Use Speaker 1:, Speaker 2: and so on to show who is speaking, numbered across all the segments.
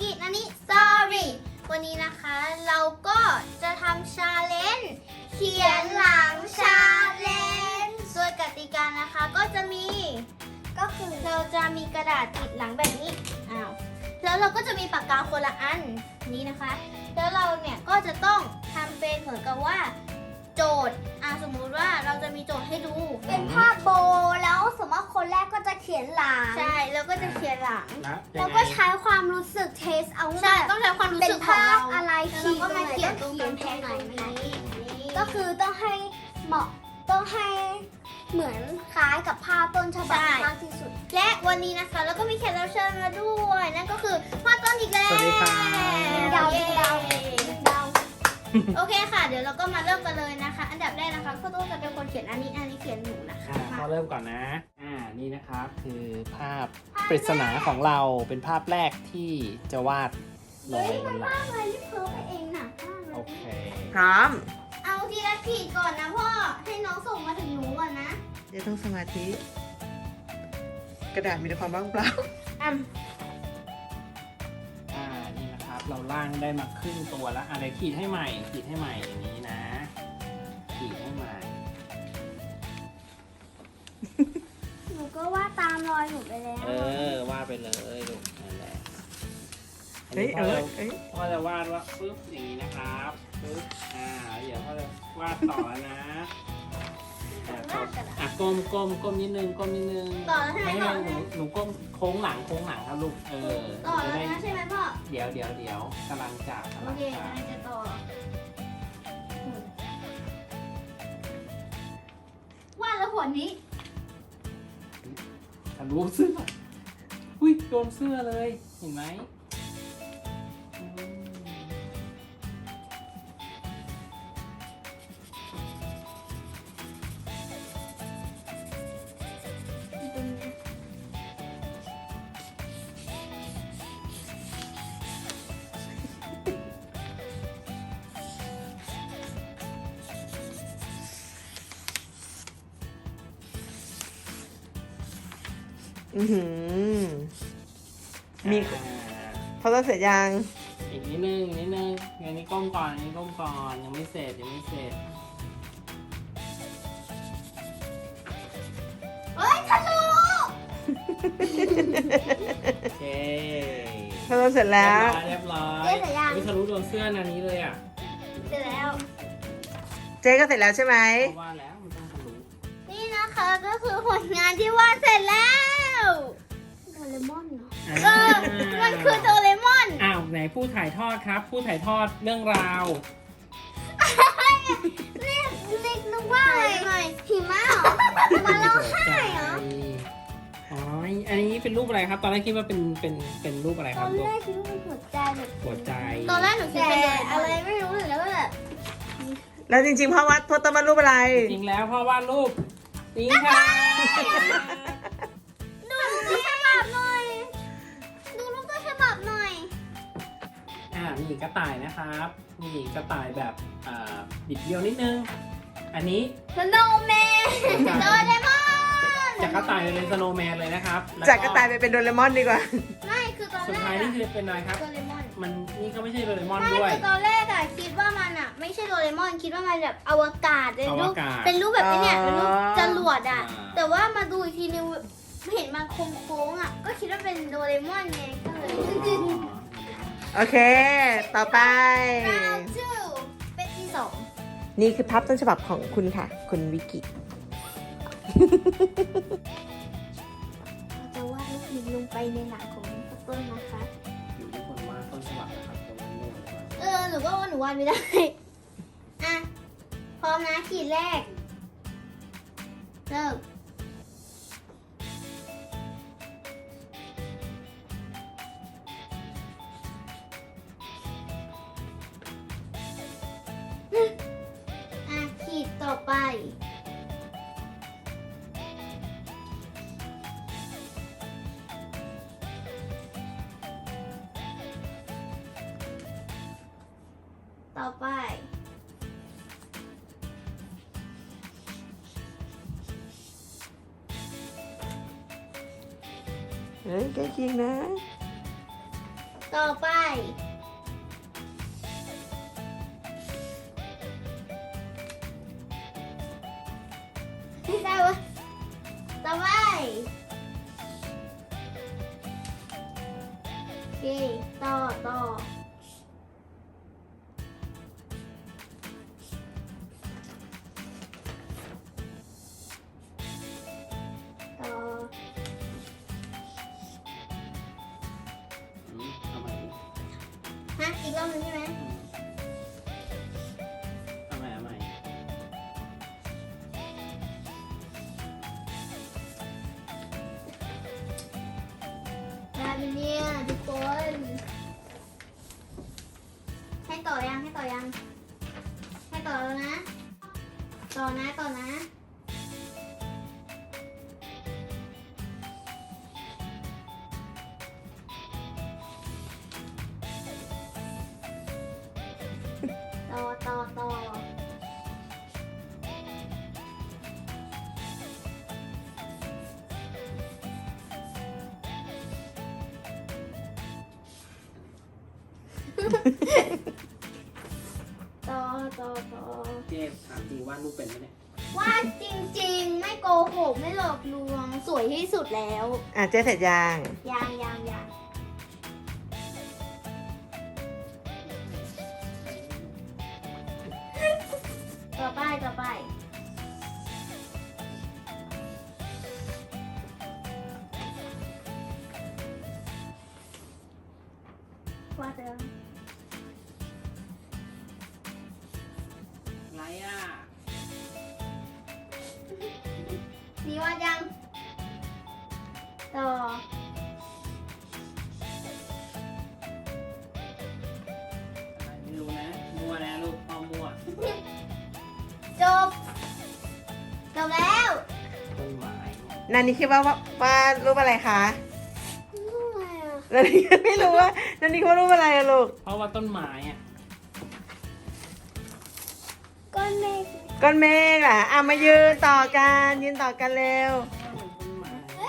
Speaker 1: กินันนี้สตอรี่วันนี้นะคะเราก็จะทำชาเลนจ์เขียนหลังชาเลนจ์โดยกติกานะคะก็จะมีก็คือเราจะมีกระดาษติดหลังแบบนี้แล้วเราก็จะมีปากกาคนละอันนี้นะคะแล้วเราเนี่ยก็จะต้องทำเป็นเหมือนกับว่าโจทย์สมมุติว่าเราจะมีโจทย์ให้ดู
Speaker 2: เป็นภาพโบแล้วสมมติคนแรกก็จะเขียนหลัง
Speaker 1: ใช่แล้วก็จะเขียนหลัง
Speaker 2: แล้วก็ใช้ความรู้สึกเทสเอา
Speaker 1: ใช่ต้องใช้ความรู้สึกของเรา
Speaker 2: เป็นภาพอะไร
Speaker 1: แล้วเราก็มาเขียนตรงกำแพง
Speaker 2: ไหน
Speaker 1: นี้
Speaker 2: ก็คือต้องให้เหมาะต้องให้เหมือนคล้ายกับภาพต้นฉบับมากที่สุด
Speaker 1: และวันนี้นะคะแล้วก็มีแขกรับเชิญมาด้วยนั่นก็คือพ่อต้นอีกแล้ว
Speaker 3: สวัสดีครับ
Speaker 2: ดาว
Speaker 1: โอเคค่ะเดี๋ยวเราก็มาเริ่มกันเลยนะคะ อันดับแรกนะคะพ่อต้นจะเป็นคนเขียนอันนี้เขียนหนูนะคะ
Speaker 3: เราเริ่มก่อนนะนี่นะครับคือภาพปริศนาของเราเป็นภาพแรกที่จะวาดลงบนหลัง
Speaker 2: อะไรที่เพิ่มไปเองหนักมากเล
Speaker 3: โอย เค
Speaker 4: พร้อม
Speaker 1: เอาทีละขีดก่อนนะพ่อให้น้องส่งมาถึงหนูก่อนนะ
Speaker 4: เดี๋ยวต้องสมาธิ กระดาษมีแต่ความว่างเปล่า
Speaker 3: นี่นะครับเราล่างได้มาครึ่งตัวแล้วอะไรขีดให้ใหม่อย่างนี้นะขีดให้ใหม่
Speaker 2: หนูก็ว่าตามรอยหนูไปแล้ว
Speaker 3: วาดไปเลยลูกนั่นแหละอัน
Speaker 4: เฮ้ย
Speaker 3: นี้พ่อจะวาดว่าปึ๊บอย่างนี้นะครับปึ๊บเดี๋ยวพ่อจะวาดต่อนะก้มนิดนึง
Speaker 1: ต่อแล้วใช่ไหม
Speaker 3: ไม่
Speaker 1: ต่อ
Speaker 3: ให้หนูก้มโค้งหลังครับลูก
Speaker 1: ต่อแล้วนะใช่ไหมพ่อ
Speaker 3: เดี๋ยวกำลังจะ
Speaker 1: โอเคกำลังจะต่อวาดแล้วผลนี้
Speaker 3: ทะลุเสื้ออุ้ยโดนเสื้อเลยเห็นไหม
Speaker 4: มีพอต้องเสร็จยัง
Speaker 3: อีกนิดนึงอันนี้ก้มก่อนยังไม่เสร็จ
Speaker 1: เฮ้ยทะลุ
Speaker 3: โอเค
Speaker 4: พอต้องเสร็จแล้ว
Speaker 3: เรียบร้อย
Speaker 2: เจ๊เสร็จยัง
Speaker 3: ทะลุโดนเสื้อนานี้เลยอ่ะ
Speaker 1: เสร็จแล้ว
Speaker 4: เจ๊ก็เสร็จแล้วใช่ไหม
Speaker 3: เพราะว่าแล้วมันต้องทะลุ
Speaker 1: นี่นะคะก็คือผลงานที่วาดเสร็จแล้ว
Speaker 2: โดเรมอนเหรอ
Speaker 1: มันคือโดเรมอน
Speaker 3: อ้าวไหนผู้ถ่ายทอดครับ ผู้ถ่ายทอดเรื่องราว
Speaker 2: เรียกนึกว่าอะไรหิมะเหรอมาร้องไห้เหรอ
Speaker 3: อ๋ออันนี้เป็นรูปอะไรครับ ตอนแรกคิดว่าเป็นรูปอะไร
Speaker 2: ต
Speaker 3: ค
Speaker 2: อ
Speaker 3: รับ
Speaker 2: น
Speaker 3: ลูก
Speaker 2: แรกคิดว่าเป็นหัวใจแบบ
Speaker 3: หัวใจ
Speaker 1: ตอนแรกหนูคิด
Speaker 2: แต่
Speaker 1: เป็น
Speaker 2: อะไรไม่รู้เลยแล้วก็แบบ
Speaker 4: แล้วจริงๆพ่อวัดพ่อต้องมารูปอะไร
Speaker 3: จริงแล้วพ่อวาดรูปนี่ค่ะ
Speaker 1: ดูรูปต้นฉบับหน่อย ดูรูปต้นฉบับหน่อย
Speaker 3: นี่กระต่ายนะครับนี่กระต่ายแบบบิดเบี้ยวนิดนึง อันนี้
Speaker 2: สโนว์แมน
Speaker 1: โดเรมอน
Speaker 3: จากกระต่ายเป็นสโนว์แมนเลยนะครับแล้ว
Speaker 4: จากกระต่ายไปเป็นโดเรมอนดีกว่า
Speaker 1: ไม่คือตอน
Speaker 3: สุด
Speaker 1: แร
Speaker 3: ท้าย
Speaker 1: ก
Speaker 3: นี่คือเป็นอะไรครับ
Speaker 1: โดเรมอน
Speaker 3: มันนี่ก็ไม่ใช่โดเรมอน
Speaker 1: ไม่
Speaker 3: ด้วย
Speaker 1: คือตอนแรกคิดว่ามันไม่ใช่โดเรมอนคิดว่ามันแบบอวกาศเป็นรูป
Speaker 3: อวกาศ
Speaker 1: เป็นรูปแบบนี้เนี่ยเป็นรูปจรวด
Speaker 3: อ่า
Speaker 1: แต่ว่ามาดูอีกทีนึงเห็นมันโค้งๆก็คิดว่าเป็นโดเรมอนไงก็เลย
Speaker 4: โอเค ต่อไป
Speaker 1: round 2เป็นที่ 2
Speaker 4: นี่คือภาพต้นฉบับของคุณค่ะ คุณวิกิ
Speaker 2: เราจะวาดรูปนี้ลงไปในหนังของต้นนะคะ
Speaker 3: อยู่ที่คนวาดต้นฉบับนะครับตรงนั้นเลย
Speaker 1: หนูก็ว่าหนูวาดไม่ได้อ่ะพร้อมนะขีดแรกเริ่มขีดต่อไป ต่อไป
Speaker 4: เฮ้ยใกล้เคียงนะ
Speaker 1: ต่อไปไม่ได้วะต่อไปโอเคต่อ
Speaker 3: เอาใหม่ดิ
Speaker 1: ฮะอีกรอบหนึงใช่ไหม
Speaker 3: เอาใหม่เอาใหม่
Speaker 1: ได้ไหมเนี่ยทุกคนให้ต่อยังให้ต่อแล้วนะต่อนะต่อ
Speaker 3: เจ๊ถามจริงว่าดรูปเป็นไหมเนี่ย
Speaker 1: วาดจริงๆ ไม่โกหกไม่หลอกลวงสวยที่สุดแล้ว
Speaker 4: เจ๊เสร็จยัง
Speaker 1: ยังต่อไปวาดแล้ว
Speaker 3: อะไรอ่ะ
Speaker 1: นี่วาดยังต่อ
Speaker 3: ไม่รู้นะ มั่วนะลูกพ่อมั่ว
Speaker 1: จบแล้ว
Speaker 3: ต้นไม้
Speaker 4: นันนี่คิดว่ารูปอะไรคะ
Speaker 1: อะไรอ่ะ
Speaker 4: นันนี่ไม่รู้ว่านันนี่คิดว่ารูปอะไรอะลูก
Speaker 3: เพราะว่าต้นไม้อ่ะ
Speaker 1: ก้อนเมฆ
Speaker 4: ก้อนเมฆอ่ะมายืนต่อกันเร็ว
Speaker 3: ต้นไม้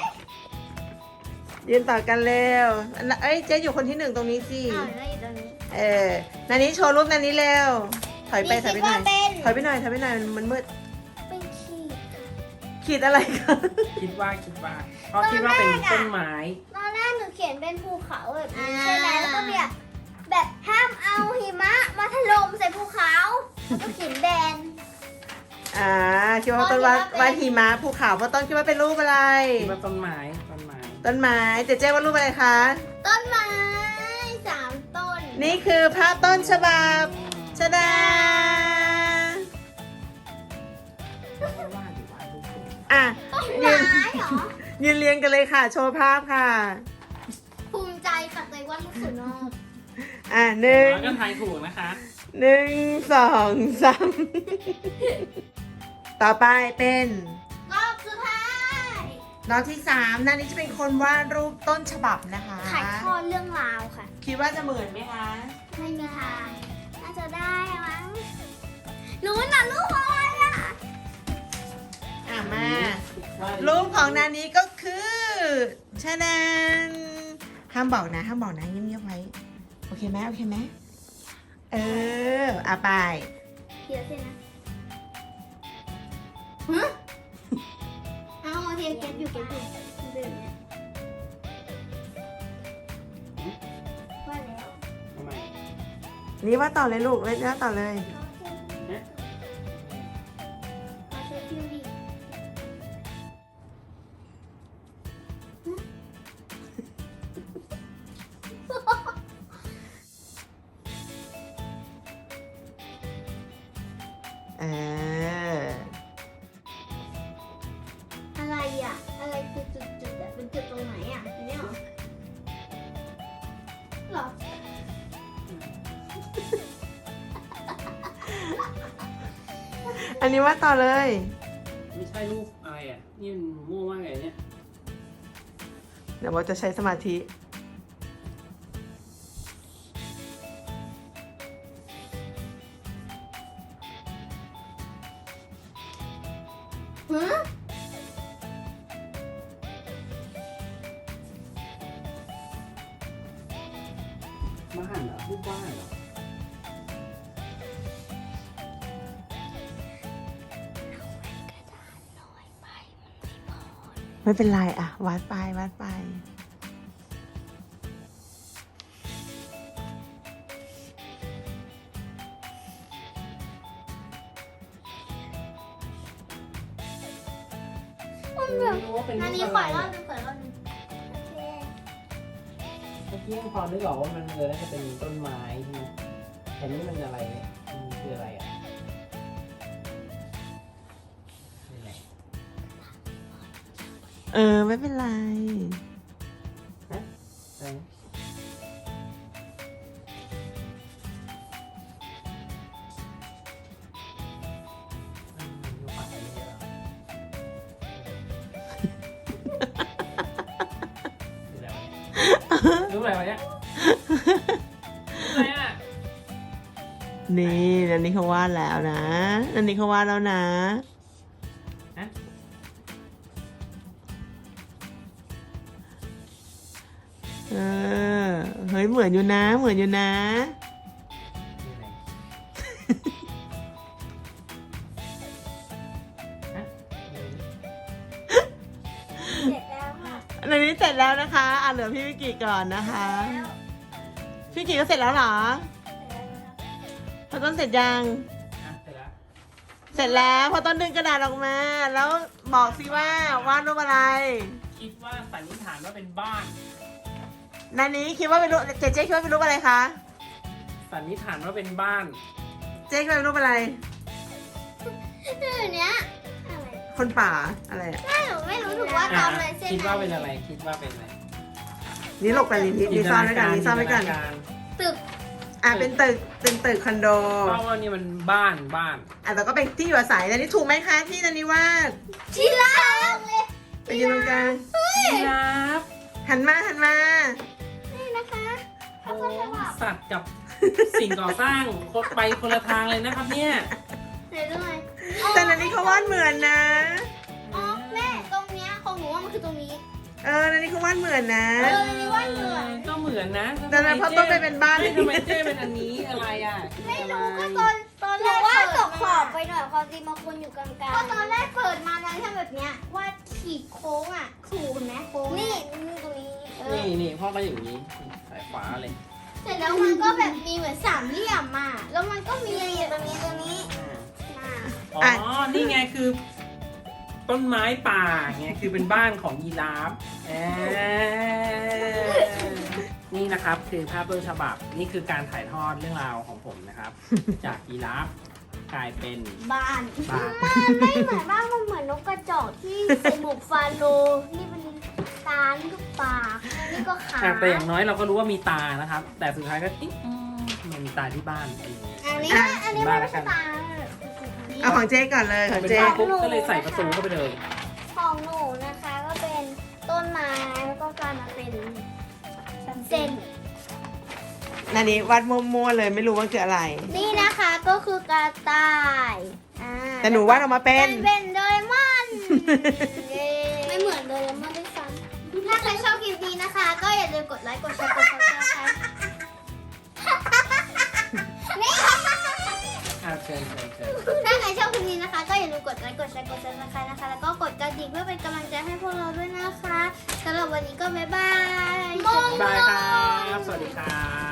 Speaker 4: ยืนต่อกันเร็วเอ้ยเจ๊อยู่คนที่หนึ่งตรงนี้สิ
Speaker 1: อ้าวแล้วอยู่ตรงนี้
Speaker 4: นันนี้โชว์รูปนันนี้เร็ว ถอยไปหน่อย
Speaker 1: คิดว่าเป็น
Speaker 4: ถอยไปหน่อยมันมืด
Speaker 1: เป็นขีด
Speaker 4: ขีดอะไรคะ
Speaker 3: คิดว่าเพราะคิดว่าเป็นต้นไม้
Speaker 1: ตอนแรกหนูเขียนเป็นภูเขาแบบนี้ใช่ไหมแล้วก็แบบห้ามเอาหิมะมาถล่มใส่ภูเขาแล้วก็เขียนแบน
Speaker 4: คิดว่าต้นวาดหิมะภูเขาเพราะต้นคิดว่าเป็นรูปอะไร
Speaker 3: คิดว่าต้นไม้
Speaker 4: ต้นไม้เจ๊ว่ารูปอะไรคะ
Speaker 1: ต้นไม้3 ต้น
Speaker 4: นี่คือภาพต้นฉบับชดา
Speaker 3: ว่าดีว่าดูสวย
Speaker 1: ต้น
Speaker 4: ยืน
Speaker 1: ไม้เหรอ
Speaker 4: ยืนเรียงกันเลยค่ะ โชว์ภาพค่ะ
Speaker 1: ภูมิใจปักใจว่าลูกสุดนอก
Speaker 4: หนึ่ง
Speaker 3: แล้วก็ทายถูกนะคะ
Speaker 4: 1 2 3 ต่อไปเป็น
Speaker 1: รอบสุดท้าย
Speaker 4: รอบที่3นั่นนี่จะเป็นคนวาดรูปต้นฉบับนะคะ
Speaker 1: ถ่ายทอดเรื่องราวค่ะ
Speaker 4: คิดว่าจะเหมือนไหมคะ
Speaker 1: ไม่มีทางน่าจะได้มั้งรู้นะลูกอะไรอ่ะ
Speaker 4: มา รูปของนานี้ก็คือชะนันห้ามบอกนะเงียบๆไว้ โอเคไหมไป
Speaker 1: เดี๋ยวสินะฮะเอาโอเคเก็บอยู่เดินเนี่ยว่าแล้ว
Speaker 3: ทำไม
Speaker 4: นี่ว่าต่อเลยลูกเล่นว่าต่อเลย
Speaker 1: เอาเช็คคิวดิอะไรอ่ะ อะไรคือจุดๆอ่ะเป็นจุดตรงไหนอ่ะอันนี้เหรอหรอ
Speaker 4: อันนี้ว่าต่อเลย
Speaker 3: ไม่ใช่รูปอะไรอ่ะ นี่มันมั่วมากเลยเนี่ย
Speaker 4: เดี๋ยวว่าจะใช้สมาธิ
Speaker 1: ฮะ
Speaker 3: บ้านเหรอรูปบ้านเหรอ
Speaker 4: ไม่เป็นไรอ่ะวาดไปวาดไป
Speaker 3: ไม่รู้ว่าเป็นรู
Speaker 1: อัน
Speaker 3: ป
Speaker 1: นี้
Speaker 3: อะ
Speaker 1: ข
Speaker 3: ไร
Speaker 1: อรอบนึงขอรอบนึง
Speaker 3: เมื่อกี้ยังพอนึกออกว่ามันน่าจะเป็นต้นไม้ใช่ไหมแต่นี่มันอะไรเนี่ยมันคืออะไรอ่ะนี่แหละ
Speaker 4: ไม่เป็นไร
Speaker 3: อะไรนะดูปากไปเยอะรู้อะไรวะเนี่ยรู้อะไรอ่ะ
Speaker 4: นี่นันนี้เขาวาดแล้วนะนันนี้เขาวาดแล้วนะ
Speaker 3: ฮะ
Speaker 4: เฮ้ยเหมือนอยู่นะเหมือนอยู่นะ
Speaker 3: นี่อะไรฮะ
Speaker 2: เสร็จแล้วค่ะ
Speaker 4: นันนี้เสร็จแล้วนะคะเหลือพี่วิกิก่อนนะคะ พี่วิกิก็เสร็จแล้วเหรอพอต้นเสร็จยัง
Speaker 3: อ่ะเสร็จแล้ว
Speaker 4: เสร็จแล้วพอต้นดึงกระดาษออกมา แล้วบอกสิว่าวาดรูปอะไร
Speaker 3: คิดว่าสันนิษฐานว่าเป็นบ้าน
Speaker 4: นันนี้คิดว่าเป็นรูปเจ๊คิดว่าเป็นรูปอะไรคะ
Speaker 3: สันนิษฐานว่าเป็นบ้าน
Speaker 4: เจ๊คิดว่าเป็นรูปอะไร
Speaker 1: ชื่อเนี้ย
Speaker 2: อะไร
Speaker 4: คนป่าอะไรอ่ะ
Speaker 1: ไม่รู้ถูกว่าตามเลยเส้น
Speaker 3: คิดว่าเป็นอะไร คิดว่าเป็นอะไร
Speaker 4: นี่หลบกันนี่ซ่อนไว้กันนี่ซ่อนไว้กัน
Speaker 3: จิตาาร
Speaker 1: ตึก
Speaker 4: เป็นตึกคอนโด
Speaker 3: เพราะว่านี่มันบ้าน
Speaker 4: แต่ก็เป็นที่อยู่อาศัยนันนี้ถูกไหมคะที่นันนี้วาด
Speaker 1: ชิลาเลย
Speaker 4: ไปยืนตรงกลาง
Speaker 3: ครับ
Speaker 4: หันมา
Speaker 1: นี่นะคะ
Speaker 3: โอ้สัตว์กับสิ่งก่อสร้างไปคนละทางเลยนะครับเนี่ย
Speaker 1: ไหนดูหน่อย
Speaker 4: แต่นันนี้เขาวาดเหมือนนะ
Speaker 1: อ๋อแม่ตรงเนี้ยของหนูว่ามันคือตรงนี้
Speaker 4: นันนี้เขาวาดเหมือนนะ
Speaker 1: นี่ว่าเหมือน
Speaker 3: ก็เหมือนนะ
Speaker 4: แต่นั้นเพราะต้นไปเป็นบ้าน
Speaker 3: ทำไมเจ้เป็นอันนี้อะไรอ่ะ
Speaker 1: ไม่รู้ก็ตอน
Speaker 2: ห
Speaker 1: แร
Speaker 2: รือก ว่า
Speaker 1: เปิด
Speaker 2: ตกขอบไป
Speaker 1: มา
Speaker 2: หน่อยความจริงมันควรอยู่กลาง
Speaker 1: ก็ตอนแรกเปิดมานั้นทำแบบเนี้ยว่าขีดโค้งอ่ะถูกไหมโค้ง
Speaker 2: ๆนี่ตรงนี้
Speaker 3: นี่พ่อก็อย่างนี้สายฟ้าเลย
Speaker 1: เสร็จแล้วมันก็แบบมีเหมือนสามเหลี่ยมอ่ะแล้วมันก็มี
Speaker 2: ตรงนี้
Speaker 3: อ๋อ นี่ไงคือต้นไม้ป่าไงคือเป็นบ้านของยีราฟนี่นะครับคือภาพต้นฉบับนี่คือการถ่ายทอดเรื่องราวของผมนะครับ จากยีราฟกลายเป็น
Speaker 1: บ้าน
Speaker 3: บ้าน
Speaker 2: ไม่เหมือนบ้างมันเหมือนนกกระจอกที่ใส่หมวกฟาโลนี่เป็นตานี่ก็ปากนี่ก็ขา
Speaker 3: แต่อย่างน้อยเราก็รู้ว่ามีตานะครับ แต่สุดท้ายก็ติ๊งมันมีตาที่บ้บ้านอะไรอย่างเงี้ย
Speaker 1: อันนี้มันไม่ใช่ตา
Speaker 4: เอาของเจ๊ก่อนเลยของ
Speaker 3: เป็น
Speaker 4: เจ๊
Speaker 3: บ้านปุ๊บก็เลยใส่ประตูเข้าไปเลย
Speaker 2: ของหนูนะคะก็เป็นต้นไม้แล้วก็กลายมาเป็นเส้น
Speaker 4: นันนี้วาดมั่วๆเลยไม่รู้ว่าคืออะไร
Speaker 1: นี่นะคะก็คือกระต่ายอ่า
Speaker 4: แต่หนูวาดออกมาเป็น
Speaker 1: เป็นโดเรมอนเย้
Speaker 2: ไม่เหมือนโดเรมอนด้วยซ้
Speaker 1: ถ้าใครชอบคลิปนี้นะคะ ก็อย่าลืมกดไลค์กดแชร์กดซับสไครต์
Speaker 3: เชิญ
Speaker 1: ถ้าใครชอบคลิปนี้นะคะ ก็อย่าลืมกดไลค์กดแชร์กดซับสไครต์นะคะ แล้วก็กดกระดิ่งเพื่อเป็นกำลังใจให้พวกเราด้วยนะคะสำหรับวันนี้ก็บ๊ายบาย
Speaker 3: บายครับ สวัสดีครับ